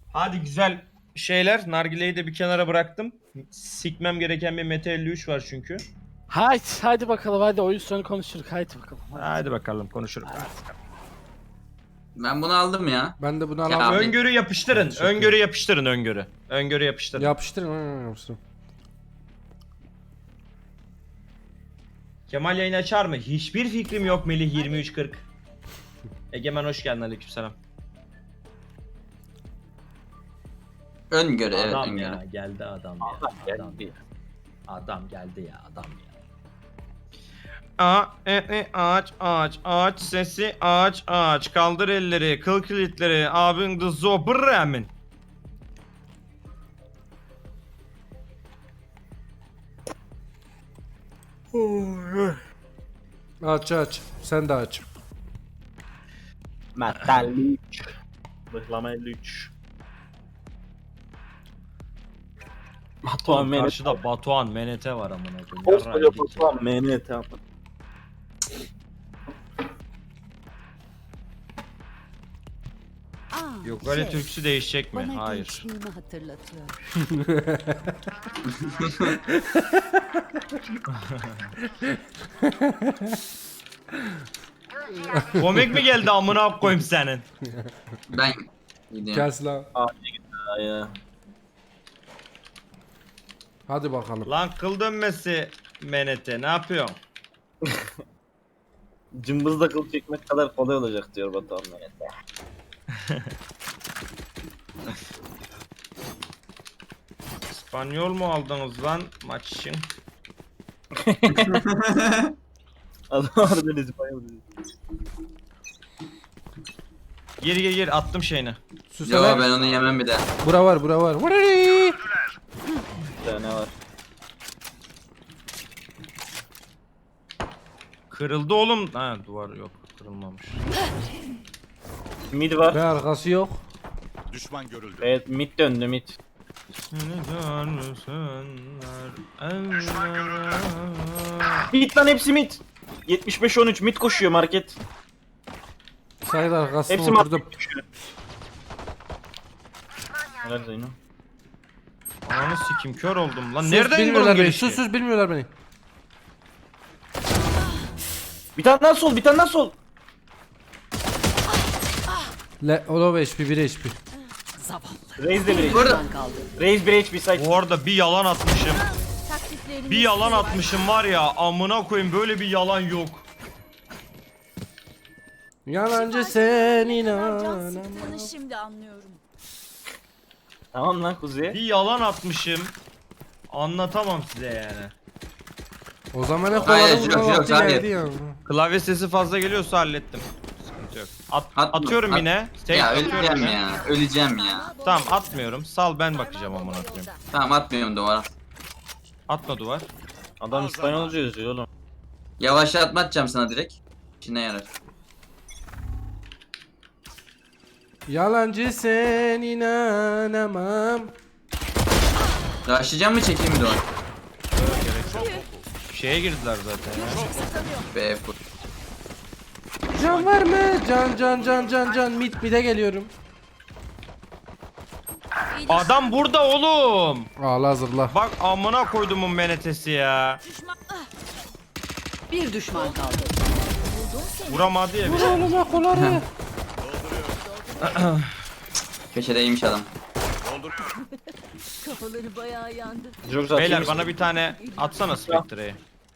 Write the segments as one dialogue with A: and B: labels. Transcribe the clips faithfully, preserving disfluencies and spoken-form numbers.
A: Hadi güzel şeyler. Nargileyi de bir kenara bıraktım. Sikmem gereken bir Mete elli üç var çünkü.
B: Haydi, haydi bakalım, hadi oyun sonu konuşuruz. Haydi bakalım. Hadi.
A: Hadi bakalım konuşuruz.
C: Ben bunu aldım ya.
D: Ben de bunu
C: Ya,
D: alalım.
C: abi.
A: Öngörü yapıştırın.
D: Teşekkür ederim.
A: Öngörü yapıştırın öngörü. Öngörü yapıştırın.
D: Yapıştırın. Ha, yapıştırın.
A: Kemal yayın açar mı? Hiçbir fikrim yok Melih yirmi üç kırk. Egemen hoş geldin, aleykümselam.
C: Öngörü evet
A: Adam
C: öngörü.
A: ya geldi adam ya. Adam,
B: geldi.
A: adam geldi ya adam ya. A, e, e, ağaç, ağaç, ağaç sesi, ağaç, ağaç. Kaldır elleri, kıl kilitleri, abin de zobramin.
D: Aç aç. Sen de aç.
B: Metal elli üç. Bıhlama elli üç. Batuhan Menet.
A: Karşıda Batuhan, Menete var amına koyayım.
B: Koskoca
A: Yarrağı yedik ya.
B: Batuhan Menet abi.
E: Aa,
A: Yok öyle
E: şey,
A: türküsü değişecek mi?
E: bana
A: Hayır.
E: gençliğimi hatırlatıyor.
A: Komik mi geldi amına koyayım senin?
C: Ben gidiyorum.
D: Gelsin lan.
B: Ya.
D: Hadi bakalım.
A: Lan kıl dönmesi Menete ne yapıyorsun?
B: Cımbızla kıl çekmek kadar kolay olacak diyor Batuhan Menet.
A: İspanyol mu aldınız lan maç için?
B: Adam harbiden İspanyol dedi.
A: Gir gir gir attım şeyini.
C: Yo
D: Süseler.
C: ben onu yemem bir daha.
D: Bura var bura var. Vurari.
B: Bir tane var.
A: Kırıldı oğlum. Ha duvar yok kırılmamış.
B: Mid var.
D: Ve arkası yok.
F: Düşman görüldü.
B: Evet mid döndü mid.
A: Seni görsünler evlere.
B: Mid lan hepsi mid. yetmiş beş on üç mid koşuyor market.
D: Sayın arkasına
B: Hepsi
D: oturdum.
B: market koşuyor. Helal Zeyno.
A: Ananı sikim kör oldum lan.
D: Sus,
A: Nereden
D: bilmiyorlar
A: vurdun
D: beni.
A: gelişi?
D: Sus sus bilmiyorlar beni.
B: Bir tane daha sol bir tane daha sol.
D: Le Olo H P bir H P.
E: Zavallı.
B: Raze de bir H P.
C: Burada.
E: Ben kaldım.
B: Raze bir H P site.
A: Bu arada bir yalan atmışım.
E: Taktikleriniz
A: Bir yalan
E: var.
A: atmışım var ya amına koyayım böyle bir yalan yok.
D: Yalancı sen
E: Can
D: inan.
E: sıktığını şimdi anlıyorum.
B: Tamam lan kuzuya.
A: Bir yalan atmışım. Anlatamam size yani.
D: O zaman ne
C: Hayır,
D: kovalı
C: yok,
D: vurma
C: yok,
D: vakti
C: hayır.
D: geldi ya.
A: Klavye sesi fazla geliyorsa hallettim. Sıkıntı yok. At,
C: Atma,
A: atıyorum
C: at-
A: yine. Tek
C: Ya
A: atıyorum
C: öleceğim
A: yine.
C: ya. Öleceğim ya.
A: Tamam atmıyorum. Sal ben bakacağım amına koyayım.
C: Tamam atmıyorum duvara.
A: Atma duvar.
B: Adam İspanyolca yazıyor oğlum.
C: Yavaşlatma atacağım sana direkt. İşine yarar.
D: Yalancı sen inanamam.
C: Raşlayacağım mı çekeyim mi duvar?
A: Şeye girdiler zaten ya.
C: Be full.
D: Can var mı? Can can can can can. Mid mid'e geliyorum.
A: Adam burada oğlum.
D: Ağla hazırla.
A: Bak amına koydumun menetesi ya.
E: Bir düşman kaldı.
A: Vuramadı ya bir.
D: Vur oğluma koları.
C: Köşedeymiş adam.
E: Kafaları bayağı yandı.
B: Çok zaten
A: Beyler bana bir tane atsana Spectre'yi.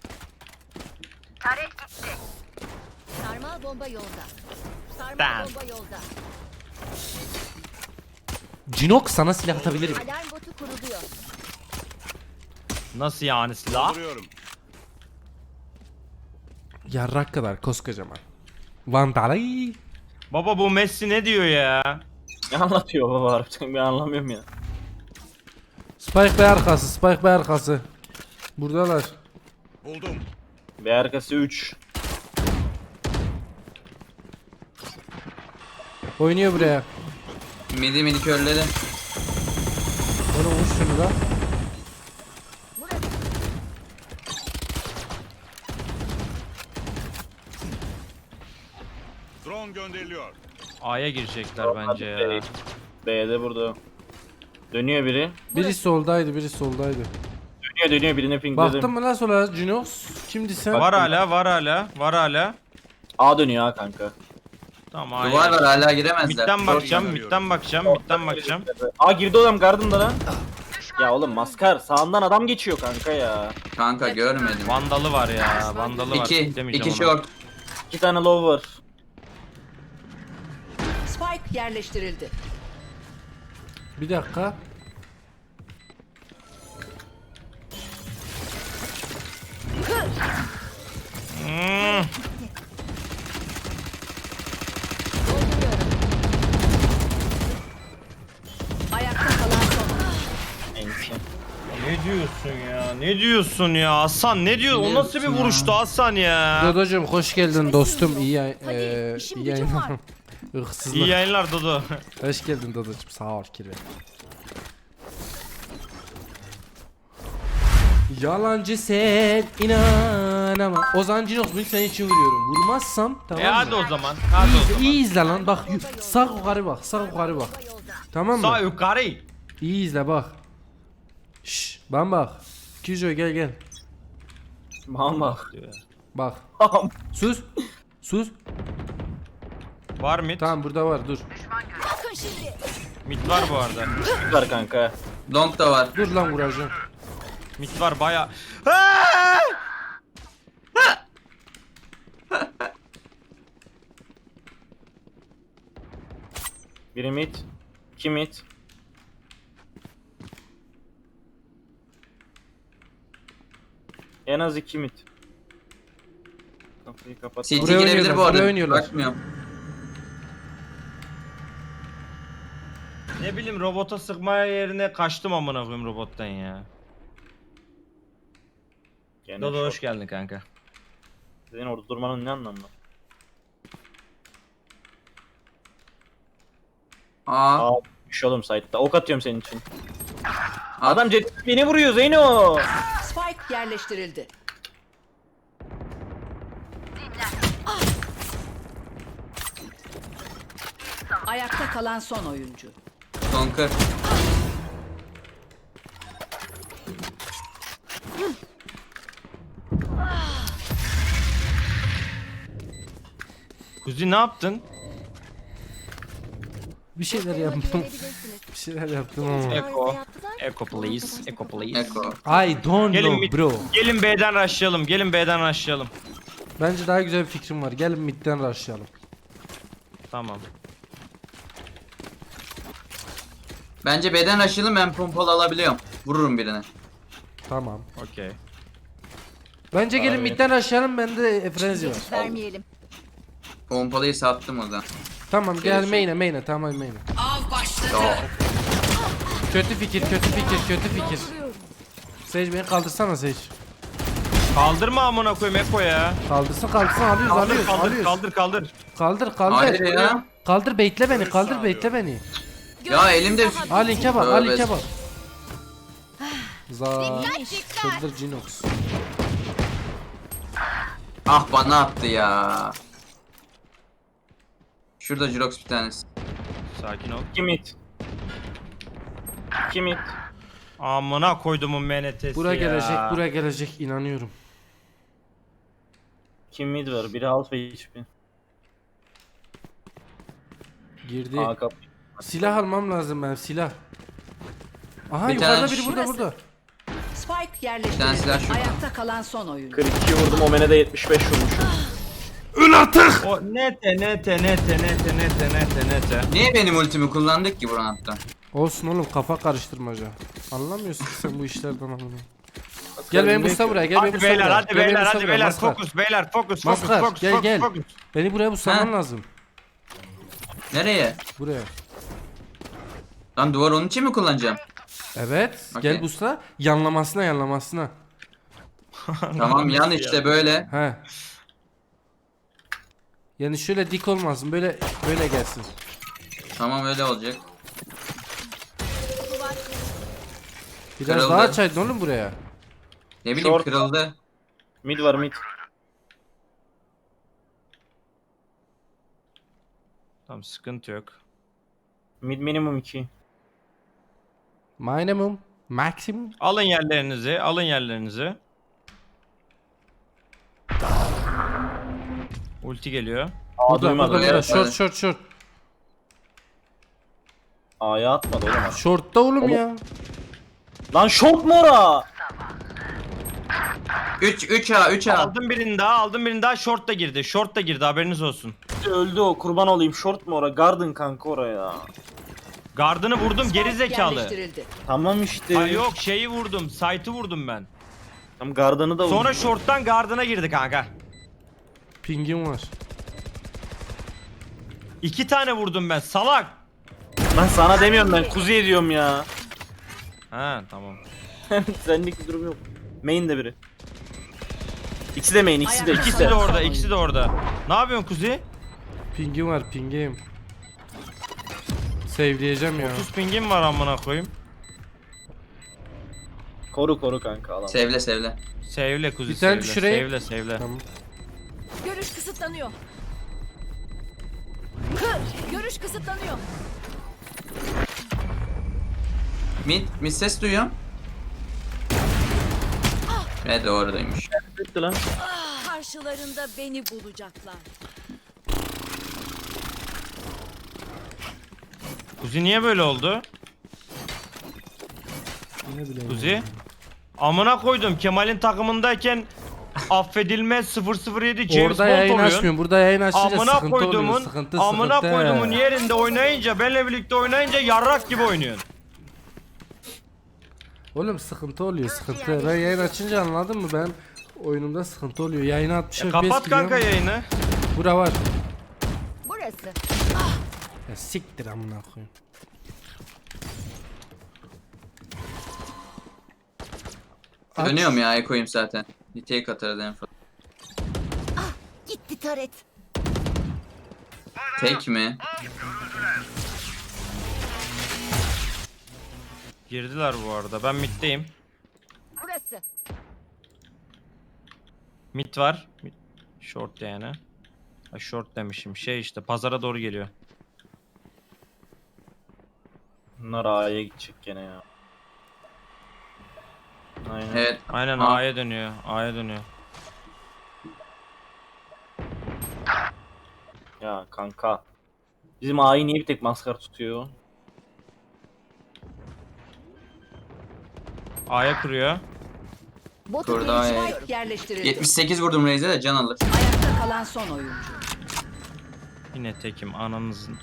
E: Sarmal bomba yolda. Sarmal
A: Damn.
E: bomba yolda.
D: Cinok sana silah atabilirim.
E: Alarm botu kuruluyor.
A: Nasıl yani silah?
F: Vuruyorum.
D: Yarrak kadar koskocaman. Vandalay.
A: Baba bu Messi ne diyor ya?
B: Ne anlatıyor baba harbiden ben anlamıyorum ya.
D: Spike Bey arkası, Spike Bey arkası. Buradalar.
F: Buldum.
B: Bir arkası üç.
D: Oynuyor buraya.
C: Midi midi körledi.
D: Onu vur şunu da.
F: Drone gönderiliyor.
A: A'ya girecekler bence ya.
B: B'de burada. Dönüyor biri.
D: Biri soldaydı, biri soldaydı.
B: Dönüyor dönüyor birine ping
D: Baktın
B: dedim.
D: mı lan sola Cinox? Kimdi sen?
A: Var hala, var hala, var hala.
B: A dönüyor ha kanka.
A: Tamam hayır.
C: Duvar var hala giremezler.
A: Midden bakacağım,
F: arıyorum.
A: midden bakacağım, midden bakacağım.
B: A girdi adam Garden'da lan. Ya oğlum maskar sağından adam geçiyor kanka ya.
C: Kanka görmedim.
A: Vandalı var ya, vandalı var.
C: İki,
A: Demeyeceğim
C: iki
A: ona.
C: short.
B: İki tane low var.
E: Spike yerleştirildi.
D: Bir dakika.
A: Hmm.
E: Ayakta kalan son.
B: Neyse.
A: Ne diyorsun ya? Ne diyorsun ya? Hasan ne diyor? O
C: Ne
A: nasıl bir
C: diyorsun
A: vuruştu Hasan ya?
D: Dodocuğum hoş geldin dostum. İyi yay-
E: Hadi,
D: eee,
E: işim
D: iyi
E: gücüm
D: yayınlar.
E: var.
D: Irksızlık.
A: İyi yayınlar Dodo.
D: Hoş geldin Dodocuğum. Sağ ol kirve. Yalancı sen inan ama Ozan Cinox bunu senin için vuruyorum. Vurmazsam tamam
A: E
D: mı?
A: hadi o zaman. Hadi o
D: İyi,
A: zaman.
D: iyi izle lan bak yu- sağ yukarı bak sağ yukarı bak. Tamam
A: Sağ
D: mı?
A: yukarı.
D: İyi izle bak. Şşş ben bak. Kijo gel gel.
B: Mama.
D: Bak. Sus. Sus.
A: Var mid.
D: Tamam burada var dur.
E: Bakın şimdi.
A: Mid var bu arada.
B: Var kanka.
C: Long da var.
D: Dur lan vuracağım.
A: Mid var baya.
B: Biri mid. İki mid. En az iki mid. Kapıyı kapat.
C: C T
D: Buraya
C: girebilir
D: oynuyorlar,
C: bu arada.
D: buraya oynuyorlar.
C: Bakmıyorum.
A: Ne bileyim robota sıkmaya yerine kaçtım amına koyayım robottan ya.
B: Gene
A: Dodo
B: short.
A: hoş geldin kanka.
B: Senin orada durmanın ne anlamı var?
C: Aa.
B: Aa, düş oğlum site'da. Ok atıyorum senin için.
C: At.
B: Adam jet beni vuruyor Zeyno.
E: Spike yerleştirildi. Ayakta kalan son oyuncu.
C: Son kır.
A: Kuzi ne yaptın?
D: Bir şeyler yaptım. Bir şeyler yaptım ama.
A: Eko. Eko please. Eko please.
C: Eko.
D: I don't
A: Gelin
D: know
A: mid.
D: bro.
A: Gelin B'den rushlayalım. Gelin B'den rushlayalım.
D: Bence daha güzel bir fikrim var. Gelin midden rushlayalım.
A: Tamam.
C: Bence beden aşılım, ben pompalı alabiliyorum. Vururum birine.
D: Tamam.
A: Okey.
D: Bence gelin
A: Abi.
D: midden rushlayalım. Bende frenzy var.
E: Vermeyelim.
C: Pompalıyı sattım o zaman.
D: Tamam gel main'e main'e tamam main'e.
C: Yo.
D: Kötü fikir kötü fikir kötü fikir. Sage beni kaldırsana Sage.
A: Kaldırma amına koyayım Eko ya.
D: Kaldırsın kaldırsın alıyoruz
A: Kaldır
D: alıyoruz
A: kaldır
D: alıyoruz.
A: kaldır kaldır.
D: Kaldır kaldır.
C: Hayır ya.
D: Kaldır baitle beni kaldır baitle beni.
C: Ya elimde
D: Al linke bak al
C: Tövbe.
D: linke bak. Za Şurada Cinox.
C: ah bana attı ya. Şurada Jirox bir tanesi.
A: Sakin ol.
B: İki mid. İki mid.
A: Amına koydumun menetesi
D: Bura
A: ya.
D: gelecek bura gelecek inanıyorum.
B: İki mid var. Biri half H P.
D: Girdi.
B: A kapı.
D: Silah almam lazım ben silah. Aha
C: Bir
D: yukarıda
C: tane
D: biri
C: şu-
D: burada burada.
E: Spike
C: Bir tane
E: yerleştirildi.
C: silah şurada.
E: Ayakta kalan son oyuncu.
B: kırk iki vurdum. Omen'e de yetmiş beş vurmuşum.
A: O nete nete nete nete nete nete nete.
C: Niye benim ultimi kullandık ki bu roundda?
D: Olsun oğlum kafa karıştırmaca. Anlamıyorsun ki sen bu işlerden amına. Gel benim busta buraya gel benim
A: Hadi
D: busta
A: beyler
D: buraya.
A: hadi
D: Gel benim
A: beyler
D: busta
A: hadi
D: buraya,
A: beyler
D: Maskar.
A: fokus beyler fokus fokus
D: Maskar,
A: fokus
D: gel,
A: fokus
D: gel.
A: fokus.
D: Beni buraya buslaman
C: Ha?
D: lazım.
C: Nereye?
D: Buraya.
C: Lan duvar onun için mi kullanacağım?
D: Evet.
C: Okey.
D: Gel busta. Yanlamasına yanlamasına.
C: Tamam yan işte böyle.
D: He. Yani şöyle dik olmasın. Böyle böyle gelsin.
C: Tamam öyle olacak.
D: Biraz
C: Kırıldı.
D: daha açaydın oğlum buraya.
C: Ne bileyim
B: Short.
C: kırıldı.
B: Mid var mid.
A: Tamam sıkıntı yok.
B: Mid minimum iki.
D: Minimum. Maximum.
A: Alın yerlerinizi, alın yerlerinizi. Ulti geliyor.
B: Aa
D: Burada
B: duymadım.
D: burada burada.
C: Evet,
D: Short
C: evet.
D: short short.
B: A'ya atmadı oğlum.
D: Short'ta oğlum
B: Oğlum.
D: ya.
B: Lan short mu ora?
C: üç üç A üç A.
A: Aldım birini daha, aldım birini daha. Short da girdi. Short da girdi, haberiniz olsun.
B: Öldü o, kurban olayım. Short mu ora? Garden kanka oraya.
A: Gardını vurdum, geri
E: Spike
A: zekalı.
E: yerleştirildi.
B: Tamam işte.
A: Ay yok, şeyi vurdum, site'ı vurdum ben.
B: Tam gardanı da vurdu.
A: Sonra short'tan gardına girdi kanka.
D: Pingim var.
A: İki tane vurdum ben, salak.
B: Ben sana demiyorum, ben kuzuya diyorum ya.
A: Ha tamam.
B: Senlik bir durum yok. Main de biri. İkisi de main, ikisi de.
E: Ayakta
A: İkisi de
E: kalan
A: orada,
E: son
A: ikisi de orada. Ne yapıyorsun Kuzi?
D: Pingim var pingim. Save'leyeceğim ya.
A: otuz pingim var amına koyayım.
B: Koru koru kanka alam.
C: Sevle sevle.
A: Sevle Kuzi,
D: Bir tane
A: sevle,
D: şuraya-
A: sevle, sevle.
D: Tamam.
G: Görüş kısıtlanıyor. Hı, görüş kısıtlanıyor.
C: Mid, mid ses duyuyorum. Ne doğrudaymış.
B: Bitti lan.
G: Karşılarında beni bulacaklar.
A: Kuzi niye böyle oldu?
D: Ne bileyim.
A: Kuzi? Amına koydum, Kemal'in takımındayken affedilmez sıfır sıfır yedi James
D: Orada
A: Bond
D: yayın
A: oluyorsun.
D: açmıyorum. Burada yayın açınca
A: Amına
D: sıkıntı oluyor.
A: koyduğumun,
D: Sıkıntı
A: amına
D: sıkıntı.
A: koyduğumun yerinde oynayınca, benle birlikte oynayınca yarrak gibi oynuyorsun.
D: Oğlum sıkıntı oluyor sıkıntı. Ben yayın açınca anladın mı? Ben oyunumda sıkıntı oluyor. Yayını altmış
A: Ya
D: F P S
A: kapat kanka
D: gidiyor.
A: yayını.
D: Bura var.
G: Burası.
D: Ya siktir amına koyayım. Aç.
C: Dönüyorum ya ekoyum zaten. Niteye katarız en fazla.
G: Gitti taret.
C: Tek mi?
A: Girdiler bu arada. Ben middeyim.
G: Burası.
A: Mid var. Mid- Short yani. Ha, short demişim. Şey işte pazara doğru geliyor.
B: Bunlar A'ya gidecek gene ya. Aynen.
C: Evet.
A: Aynen
C: Aa.
A: A'ya dönüyor. A'ya dönüyor.
B: Ya kanka. Bizim A'yı niye bir tek maskar tutuyor?
A: A'ya kuruyor.
E: Botu
C: Kurda
E: görüş-
C: ya.
E: Spike yerleştirildi.
C: yetmiş sekiz vurdum Reis'e de can alır.
E: Ayakta kalan son oyuncu.
A: Yine tekim ananızın.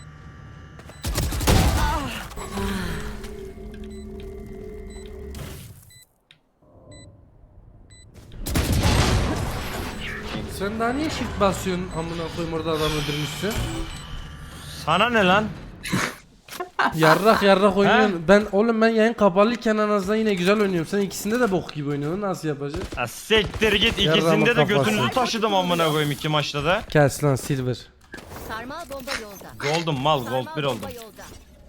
D: Sen daha niye shift basıyorsun amına koyayım orada adam öldürmüşsün?
A: Sana ne lan?
D: Yarrak yarrak oynuyorsun. Ben oğlum ben yayın kapalıyken en azından yine güzel oynuyorum. Sen ikisinde de bok gibi oynuyorsun. Nasıl yapacağız?
A: Ya siktir git,
D: Yarrağımın
A: ikisinde de
D: kafası.
A: götünüzü taşıdım amına koyayım iki maçta da.
D: Kes lan silver.
G: Sarmal bomba yolda.
A: Gold'um mal,
G: Sarmal
A: gold bir
G: bomba
A: oldum.
G: yolda.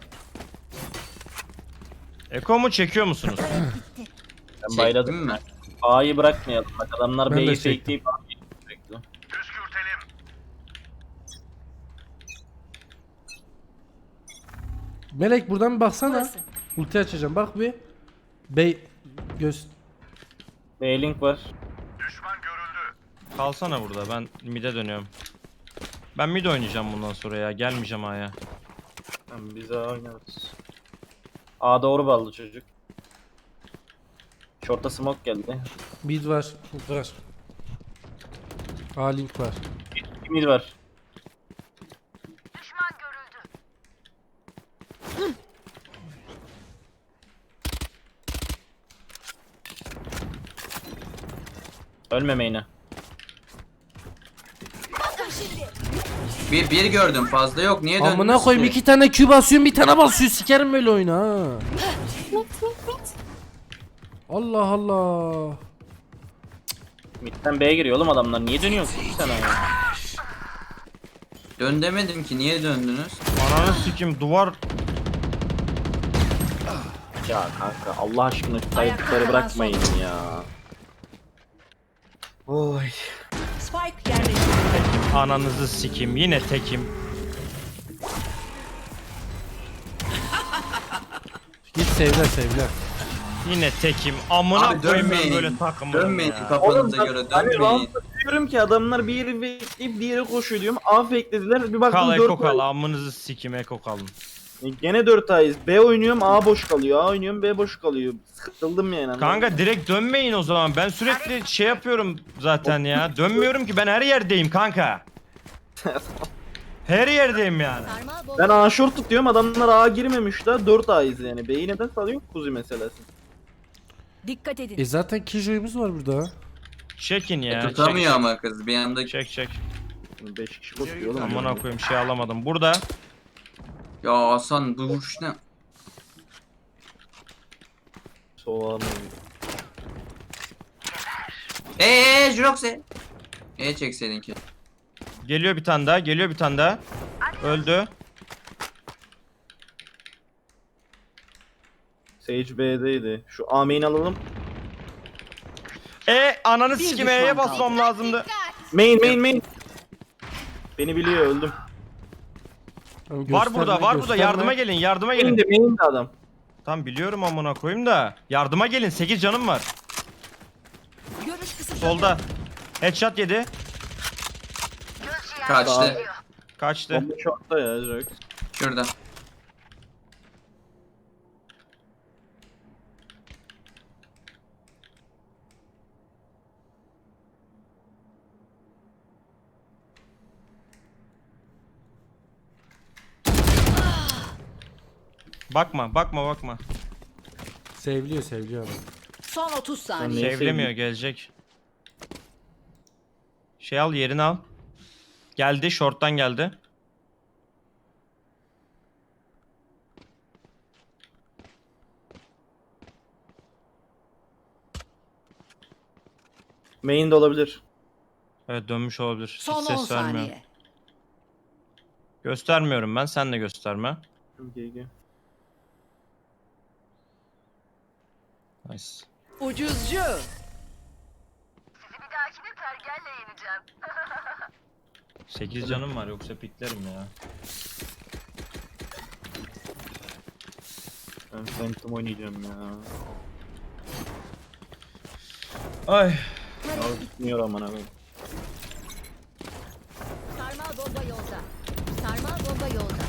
A: Eko mu çekiyor musunuz?
B: Ben bayladım.
C: Çektim mi?
B: A'yı bırakmayalım. Bak adamlar
D: Ben de
B: B'yi
D: çektim.
B: fakeleyip A'yı sürekli.
D: Melek buradan bir baksana.
G: Burası.
D: Ulti açacağım bak bir. Bey göz.
B: B-Link var.
A: Kalsana burada, ben mid'e dönüyorum. Ben mid oynayacağım bundan sonra ya, gelmeyeceğim A'ya.
B: Tamam biz A oynarız. A doğru ballı çocuk. Short'a smoke geldi.
D: Mid var. Var. A link var.
B: Mid var. Ölmemeyin.
C: Bir, bir gördüm fazla yok. Niye döndünüz
D: Amına koyayım
C: ki?
D: iki tane Q basıyorsun bir tane basıyor sikerim böyle oyunu ha. Allah Allah.
B: Mid'den B'ye giriyor oğlum adamlar. Niye dönüyorsun iki tane ya?
C: Dön demedim ki niye döndünüz?
A: Ananı sikim, duvar.
B: Ya kanka Allah aşkına şu
E: Ayakta
B: kayıpları
E: kalan
B: bırakmayın
E: son.
B: ya. Oy.
E: Spike yerleştirildi.
A: Ananızı sikim, yine tekim.
D: sevler sevler.
A: Yine tekim. Amına
C: Abi
A: koyayım ben
C: dönmeyin.
A: böyle takımlarım
C: Dönmeyin
A: ya.
C: kafanıza göre
B: Hani
C: dönmeyin.
B: roundda diyorum ki adamlar bir yeri bekleyip diğeri koşuyor diyorum. A fakelediler bir baktım
A: Kal
B: dört
A: eko kal.
B: ay.
A: Amınızı sikim eko kalın.
B: Gene dört ayız. B oynuyorum A boş kalıyor. A oynuyorum B boş kalıyor. Sıkıldım yani.
A: Kanka direkt dönmeyin o zaman. Ben sürekli şey yapıyorum zaten ya. Dönmüyorum ki ben her yerdeyim kanka. Her yerdeyim yani.
G: Sarmal bomba.
B: Ben A short tutuyorum adamlar A girmemiş daha dört ayız yani. B'yi neden salıyor kuzi meselesi.
E: Dikkat edin.
D: E zaten Kijo'yumuz var burada.
A: Çekin
C: E,
A: ya.
C: tutamıyor
A: çek,
C: ama kız bir anda.
A: Çek çek.
B: beş kişi koşuyor oğlum.
A: Amına koyayım şey alamadım. Burada.
C: Ya Hasan bu vuruş ne?
B: Soğan.
C: Eee Jurox'e. E çekseydin ki.
A: Geliyor bir tane daha. Geliyor bir tane daha. Öldü.
B: Sage B'deydi. Şu A main alalım.
A: E ananı
E: Bir
A: sikim
E: düşman
A: E'ye
E: kaldı.
A: basmam lazımdı.
B: Main main main. Beni biliyor öldüm.
D: Tamam,
A: Var
D: gösterme,
A: burada var burada.
D: gösterme.
A: Yardıma gelin yardıma
B: Main
A: gelin.
B: de main de adam.
A: Tam biliyorum amına koyayım da. Yardıma gelin. sekiz canım var.
E: Görüş kısıtlı.
A: Solda. Headshot yedi.
C: Kaçtı.
A: Kaçtı.
B: Bomba short'ta ya Jax.
C: Şurada.
A: Bakma bakma bakma.
D: Sevliyor sevliyor adam.
E: Son otuz
B: Ben
E: saniye.
B: Neyi
A: Sevlemiyor
B: sevdim?
A: gelecek. Şey al yerini al. Geldi short'tan geldi.
B: Main de olabilir.
A: Evet dönmüş olabilir. Hiç
E: Son on
A: ses vermiyor.
E: saniye.
A: Göstermiyorum ben sen de gösterme.
B: G G.
A: Nice.
E: Ucuzcu.
A: sekiz canım var yoksa piklerim ya.
B: Ben Phantom oynayacağım ya.
A: Ay.
B: Abi bitmiyor aman abi.
G: Sarmal bomba yolda. Sarmal bomba yolda.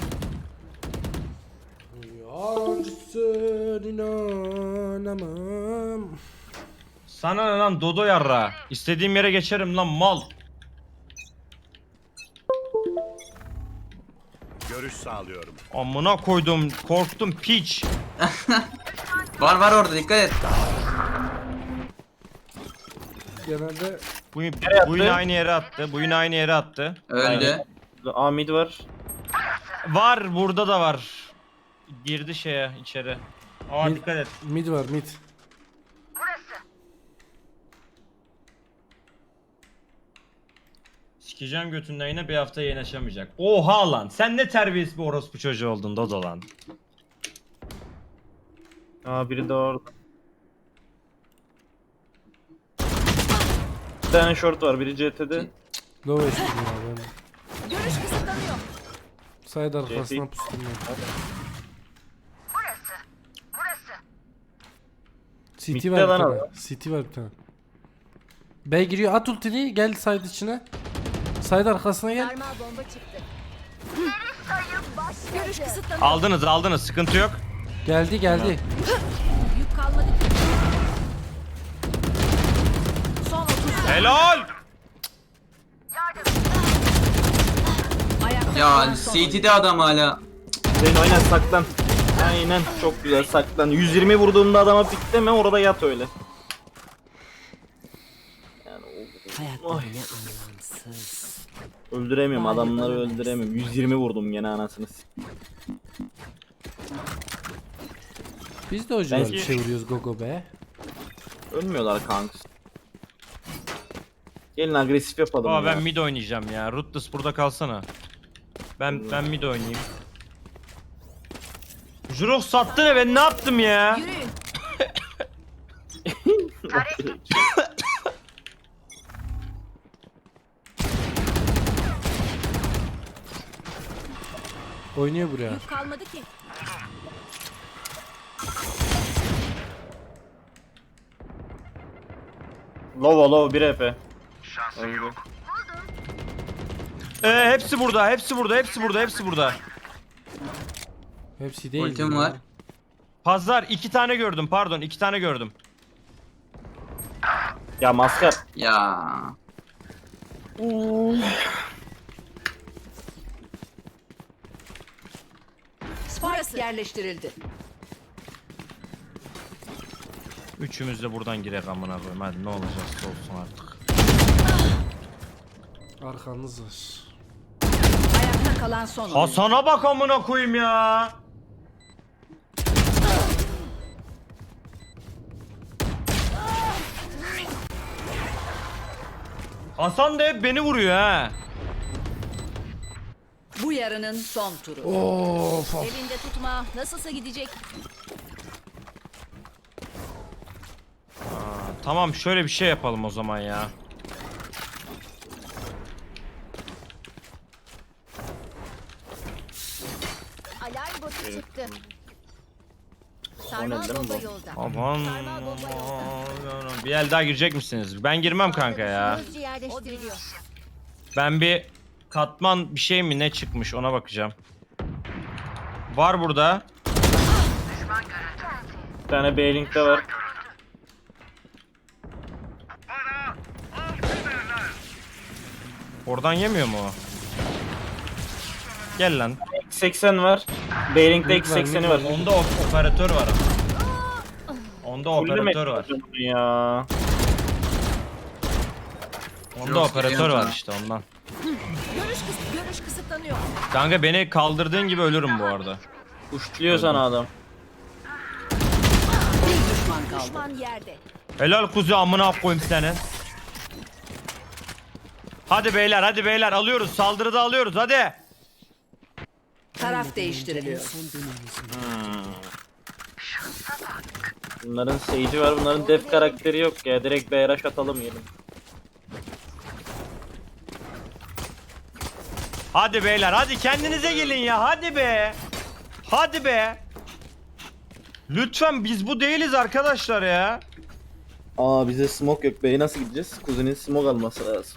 D: Yansın inanamam.
A: Sana ne lan dodo yarra. İstediğim yere geçerim lan mal.
F: Görüş sağlıyorum.
A: Amına koydum korktum piç.
C: Var var orada dikkat et.
D: Genelde
A: Bu,
B: Nereye
A: bu yine
B: attı?
A: aynı yere attı. Bu yine aynı yere attı.
C: Öldü.
B: A mid var.
A: Var burada da var. Girdi şeye içeri. Aa
D: Mid-
A: dikkat et.
D: mid var mid.
A: Sikeceğim götünden yine bir hafta yayın açamayacak. Oha lan sen ne terbiyesiz bir orospu çocuğu oldun Dodo lan.
B: Aa biri de orada. Bir tane short var biri C T'de.
D: Low H P ya ben.
E: Görüş kısıtlanıyor.
D: Side arkasına pustum ya. C T
B: Mid'de
D: var bir
B: lan
D: tane.
B: adam.
D: C T var bir tane. B giriyor at ultini gel side içine. Side arkasına gel.
G: Sarmal bomba çıktı.
E: Görüş kısıtlanıyor.
A: Aldınız aldınız sıkıntı yok.
D: Geldi geldi.
E: Yük kalmadı ki. Son otuz saniye.
A: Helal.
E: Ayakta
C: Ya
E: kalan son
C: C T'de adam hala.
B: Sen oyna saklan. Aynen çok güzel saklan. yüz yirmi vurduğumda adama pikleme orada yat öyle. Yani o- Ay. Öldüremiyorum adamları öldüremiyorum. yüz yirmi vurdum gene anasını. s-
D: Biz de hocalar
B: Ben-
D: bir şey vuruyoruz gogo be.
B: Ölmüyorlar kanks. Gelin agresif yapalım
A: Aa
B: ya.
A: ben mid oynayacağım ya. Ruthless burada kalsana. Ben ben mid oynayayım. Jurok sattı ne ben ne yaptım ya?
E: Yürüyün.
D: Oynuyor buraya.
E: Yük kalmadı ki.
B: Low low bir E P. Öldü.
A: Ee, hepsi burada, hepsi burada, hepsi burada, hepsi burada.
D: Hepsi değil.
C: Ultim
D: ya.
C: var.
A: Pazar iki tane gördüm, pardon iki tane gördüm.
B: Ya maskar.
C: Ya.
E: Spike yerleştirildi.
A: Üçümüz de buradan girek amına koyayım. Hadi ne olacaksa olsun artık.
D: Arkanız var.
E: Ayakta kalan son oyuncu.
A: Hasan'a bak amına koyayım ya. Hasan da hep beni vuruyor ha.
E: Bu yarının son turu.
D: Of.
E: Elinde tutma. Nasılsa gidecek.
A: Tamam şöyle bir şey yapalım o zaman ya.
G: Alarm botu çıktı.
B: O
G: Sarmal
B: ne, değil mi
G: bomba
B: bu?
G: yolda.
A: Aman.
G: Sarmal bomba yolda.
A: Bir el daha girecek misiniz? Ben girmem kanka ya.
G: Hızlıca yerleştiriliyor.
A: Ben bir katman bir şey mi ne çıkmış ona bakacağım. Var burada.
B: Bir tane B-Link'te var.
A: Oradan yemiyor mu o? Gel lan.
B: X seksen var. B-Link'te
D: Link
B: X
D: var,
B: sekseni
D: link
B: var.
D: var.
A: Onda op- operatör var ama. Onda operatör var.
B: Ya.
A: Onda
C: Yok,
A: operatör
C: geliyorum
A: var
C: sana.
A: işte ondan.
E: Görüş, kıs görüş kısıtlanıyor.
A: Kanka beni kaldırdığın gibi ölürüm bu arada.
B: Uçluyor sana adam.
E: Bir düşman kaldı.
G: Düşman yerde.
A: Helal kuzu amına koyayım seni. Hadi beyler hadi beyler alıyoruz saldırıda alıyoruz hadi.
E: Taraf değiştiriliyor.
B: Bunların Sage'i var, bunların def karakteri yok ya. Direkt B R H atalım yedim.
A: Hadi beyler hadi kendinize gelin ya hadi be. Hadi be. Lütfen biz bu değiliz arkadaşlar ya.
B: Aa bize smoke yok. B'ye nasıl gideceğiz? Kuzenin smoke alması lazım.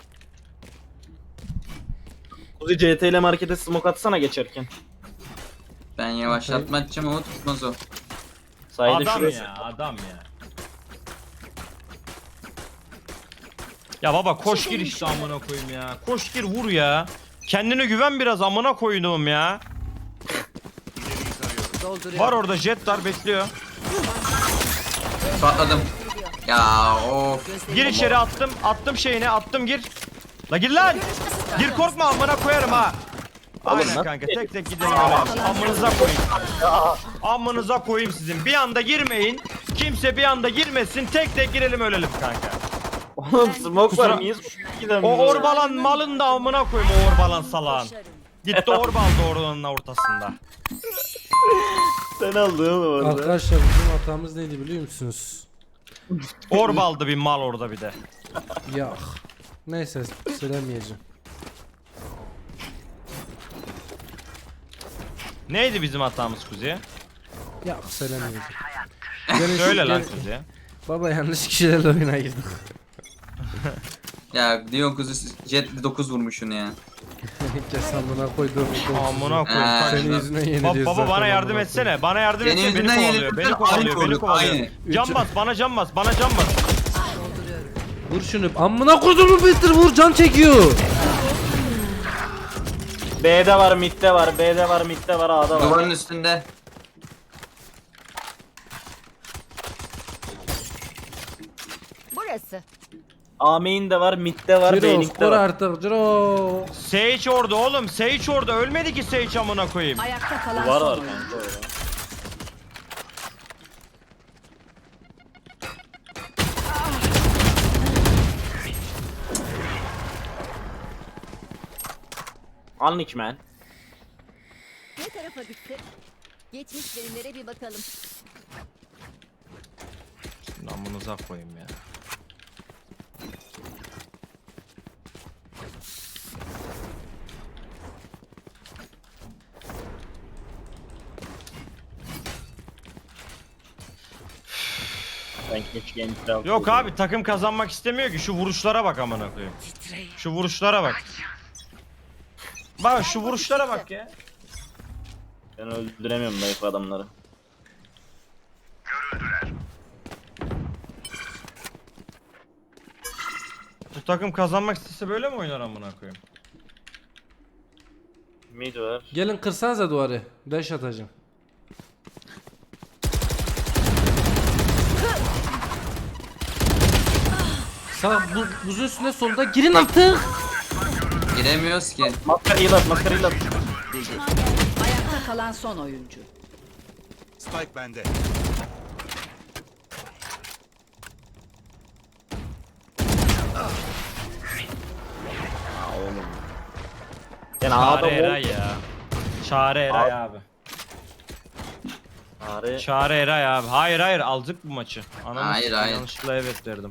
B: Kuzi C T ile markete smoke atsana geçerken.
C: Ben yavaşlatma atacağım ama tutmaz o.
B: Sahilde
A: Adam
B: şurası.
A: ya adam ya. Ya baba koş gir işte amına koyayım ya. Koş gir vur ya. Kendine güven biraz amına koyduğum ya.
E: Dolduruyor.
A: Var orada jet var bekliyor.
C: Patladım. Ya of.
A: Gir içeri attım attım şeyini attım gir. La gir lan. Gir korkma amına koyarım ha. Aynen
B: nasıl
A: kanka tek tek gidelim öyle. Amınıza koyayım. Amınıza koyayım sizin. Bir anda girmeyin. Kimse bir anda girmesin. Tek tek girelim ölelim kanka.
B: Oğlum smoke var
A: Kusura-
B: mıyız?
A: O orbalan malın da amına koyayım o orbalan salağın. Gitti orbaldı oranın ortasında.
B: Sen aldın oğlum orada.
D: Arkadaşlar bizim hatamız neydi biliyor musunuz?
A: Orbaldı bir mal orada bir de.
D: Yok. Neyse söylemeyeceğim.
A: Neydi bizim hatamız Kuzi?
D: Yok söylemeyeceğim. Gene-
A: Söyle lan
D: gene-
A: Kuzi.
D: Baba yanlış kişilerle oyuna girdik.
C: Ya diyor kuzu jet dokuz vurmuşsun ya.
D: Kes amına koyduğum
A: Amına
C: Ee,
A: koyayım.
D: Senin yüzünden
A: Ba-
D: yeniliyoruz
A: baba
D: zaten,
A: bana
D: amına
A: yardım
D: koyayım.
A: etsene. Bana yardım
C: Senin
A: etsene. Beni
C: yüzünden
A: kovalıyor.
C: yenildik,
A: Beni
C: aynı
A: kovalıyor. Beni
C: vurduk,
A: kovalıyor.
C: aynı.
A: Can bas bana can bas. Bana can bas.
D: Vur şunu. Amına koyduğum Peter vur can çekiyor.
B: B'de var, mid'de var, B'de var, mid'de var, A'da var.
C: Duvarın üstünde.
G: Burası.
B: A main'de var, mid'de var,
D: Ciro
B: B-Link'te
D: skor
B: var.
D: artık Ciro.
A: Sage orada oğlum. Sage orada. Ölmedi ki Sage amına koyayım.
E: Ayakta kalan
B: Var
E: son
B: var
E: oyuncu.
B: kanka orada. Anlık man.
G: Ne tarafa gitti? Geçmiş verimlere bir bakalım.
A: Amınıza koyayım ya.
B: Ben keşke entry alsaydım.
A: Yok abi takım kazanmak istemiyor ki şu vuruşlara bak amına koyayım. Şu vuruşlara bak. Bak şu vuruşlara bak ya.
B: Ben öldüremiyorum zayıf adamları.
A: Bu takım kazanmak istese böyle mi oynar amına koyayım?
B: Mid var.
D: Gelin kırsanıza duvarı. Dash atacağım. Sağ bu, buzun üstüne solda girin artık.
C: Giremiyoruz ki.
B: Maskara heal at, maskara heal at.
E: Ayakta kalan son oyuncu.
F: Spike bende.
B: Yani A'da
A: Çare
B: wall.
A: Eray ya. Çare Eray abi.
B: Çare.
A: Çare Eray abi. Hayır hayır aldık bu maçı. Ananı
C: Hayır,
A: sikeyim,
C: hayır.
A: yanlışlıkla evet derdim.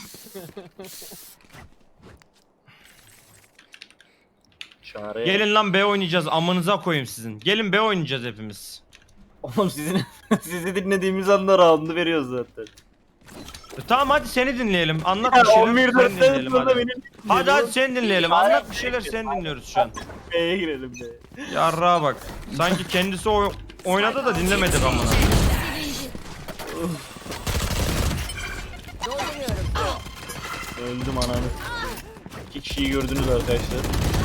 B: Çare.
A: Gelin lan B oynayacağız amınıza koyayım sizin. Gelin B oynayacağız hepimiz.
B: Oğlum sizin sizi dinlediğimiz anda round'u veriyoruz zaten.
A: E, tamam hadi seni dinleyelim. Anlat
B: Ya
A: bir şeyler
B: on bir
A: seni
B: dörtten
A: dinleyelim
B: sonra
A: hadi.
B: benim
A: Hadi hadi seni dinleyelim. Anlat bir şeyler seni dinliyoruz şu an.
B: B'ye girelim be.
A: Yarrağa bak. Sanki kendisi oy- oynadı da dinlemedik amına.
B: Öldüm ananı. İki kişiyi gördünüz arkadaşlar.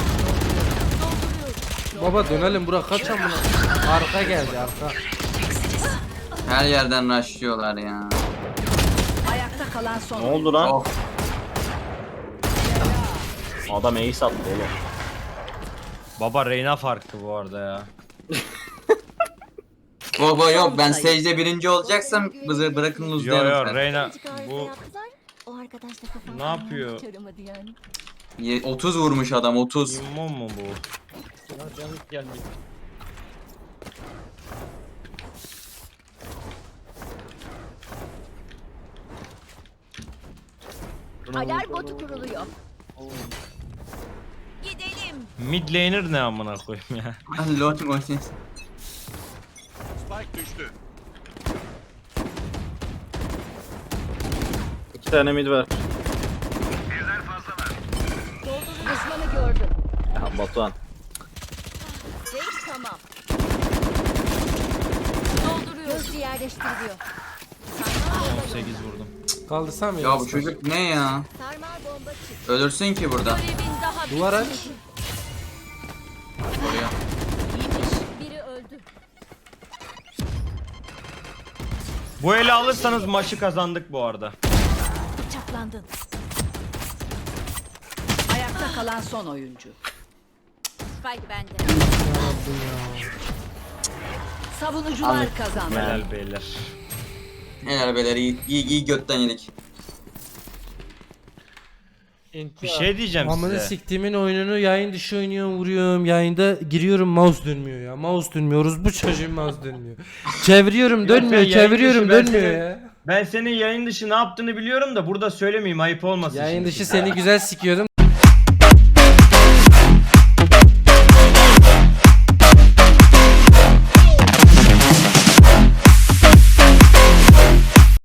D: Baba dönelim Burak kaç amına. Arka geldi arka.
C: Her yerden rushlıyorlar ya.
E: Ayakta kalan son
B: Ne
E: oyuncu.
B: oldu lan?
C: Oh.
B: Adam ace attı oğlum.
A: Baba Reyna farklı bu arada ya.
C: Baba yok ben stage'de birinci olacaksam bizi bırakın
A: Yo
C: luzlayalım
A: yo
C: sen.
A: Reyna
G: İkinci kahvede
A: bu
G: yaptılar. O arkadaş da kafamı
A: Ne yapıyor?
G: çaramadı yani.
C: Ye- otuz vurmuş adam otuz.
A: immo mu bu?
G: Alarm botu kuruluyor. Gidelim.
A: Mid laner ne amına koyayım ya.
C: Lol mol.
F: Spike düştü.
B: İki tane mid var.
G: Düşmanı gördüm.
B: Ya Batuhan.
G: Zeyt tamam. Dolduruyor. Hızlı yerleştiriliyor.
A: on sekiz vurdum.
D: Kaldırsam mı?
C: Ya bu çocuk ne ya?
G: Sarmal bomba çık.
C: Ölürsün ki burada.
G: Görevin daha
D: Duvar aç.
C: Oraya.
G: bitmiş. Biri öldü.
A: Bu eli alırsanız maçı kazandık bu arada.
G: Bıçaklandın.
E: Ayakta kalan son oyuncu.
G: Spike bende.
E: Savunucular kazandı.
A: Helal beyler.
C: Helal beyler iyi, iyi, iyi götten yedik.
A: Bir şey diyeceğim
D: Amına
A: size.
D: siktiğimin oyununu yayın dışı oynuyorum vuruyorum yayında giriyorum mouse dönmüyor ya mouse dönmüyoruz bu çocuğun mouse dönmüyor. Çeviriyorum
A: Ya
D: dönmüyor
A: sen yayın
D: çeviriyorum
A: dışı, ben
D: dönmüyor
A: senin-
D: ya.
A: Ben senin yayın dışı ne yaptığını biliyorum da burada söylemeyeyim ayıp olmasın.
D: Yayın
A: şimdi.
D: dışı seni güzel sikiyordum.